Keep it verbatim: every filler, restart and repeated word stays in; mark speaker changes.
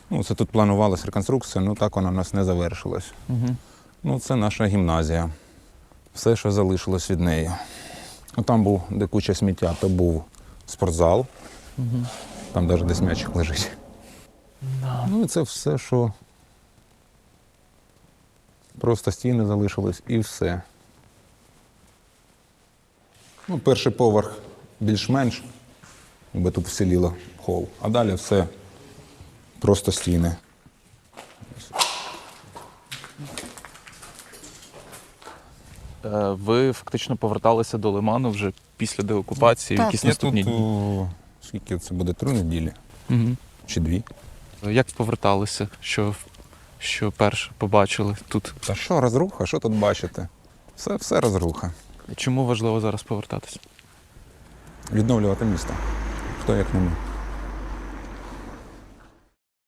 Speaker 1: Ну, це тут планувалася реконструкція, ну так вона у нас не завершилась.
Speaker 2: Угу.
Speaker 1: Ну, це наша гімназія. Все, що залишилось від неї. Ну, там був, де куча сміття, то був спортзал.
Speaker 2: Угу.
Speaker 1: Там навіть десь м'ячик лежить.
Speaker 2: Да.
Speaker 1: Ну і це все, що просто стіни залишились і все. Ну, перший поверх більш-менш, бо тут вселіло хол, а далі все просто стіни.
Speaker 2: Е, Ви фактично поверталися до Лиману вже після деокупації, в якісь
Speaker 1: я
Speaker 2: наступні
Speaker 1: тут,
Speaker 2: дні?
Speaker 1: о, скільки це буде, три неділі
Speaker 2: Угу.
Speaker 1: чи дві.
Speaker 2: Як поверталися? Що, що перше побачили тут?
Speaker 1: Та що розруха, що тут бачите? Все, все розруха.
Speaker 2: Чому важливо зараз повертатися?
Speaker 1: Відновлювати місто. Хто як не ми.